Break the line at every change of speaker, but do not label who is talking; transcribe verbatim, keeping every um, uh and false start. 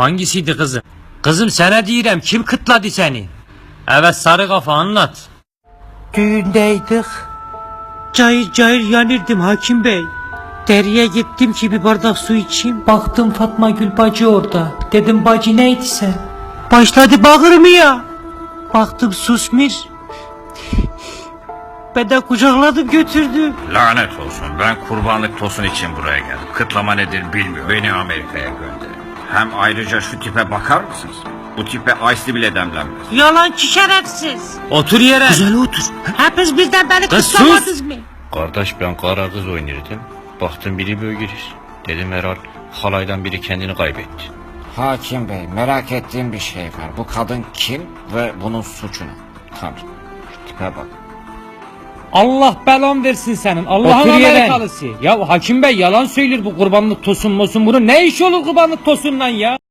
Hangisiydi kızım? Kızım sana diyorum, kim kıtladı seni? Evet sarı kafa, anlat.
Düğündeydik. Cayır cayır yanırdım hakim bey. Deriye gittim ki bir bardak su içeyim. Baktım Fatma Gül bacı orada. Dedim bacı neydi sen? Başladı bağırmaya. Baktım susmuş. Ben de kucakladım götürdüm.
Lanet olsun, ben kurbanlık tosun için buraya geldim. Kıtlama nedir bilmiyorum. Beni Amerika'ya gönderin. Hem ayrıca şu tipe bakar mısınız? Bu tipe ice'li bile demlenmez.
Yalancı şerefsiz.
Otur yere.
Güzel otur. Hepiniz birden beni
Kız
kutlamadınız mı?
Kardeş ben kara kız oynardım. Baktım biri böyle girir. Dedim herhal halaydan biri kendini kaybetti.
Hakim bey, merak ettiğim bir şey var. Bu kadın kim ve bunun suçu ne? Tanrım, şu tipe bak.
Allah belan versin senin. Allah'ın Amerikalısı. Ya hakim bey yalan söylüyor bu kurbanlık tosun mosun. Bunun ne işi olur kurbanlık tosunla ya?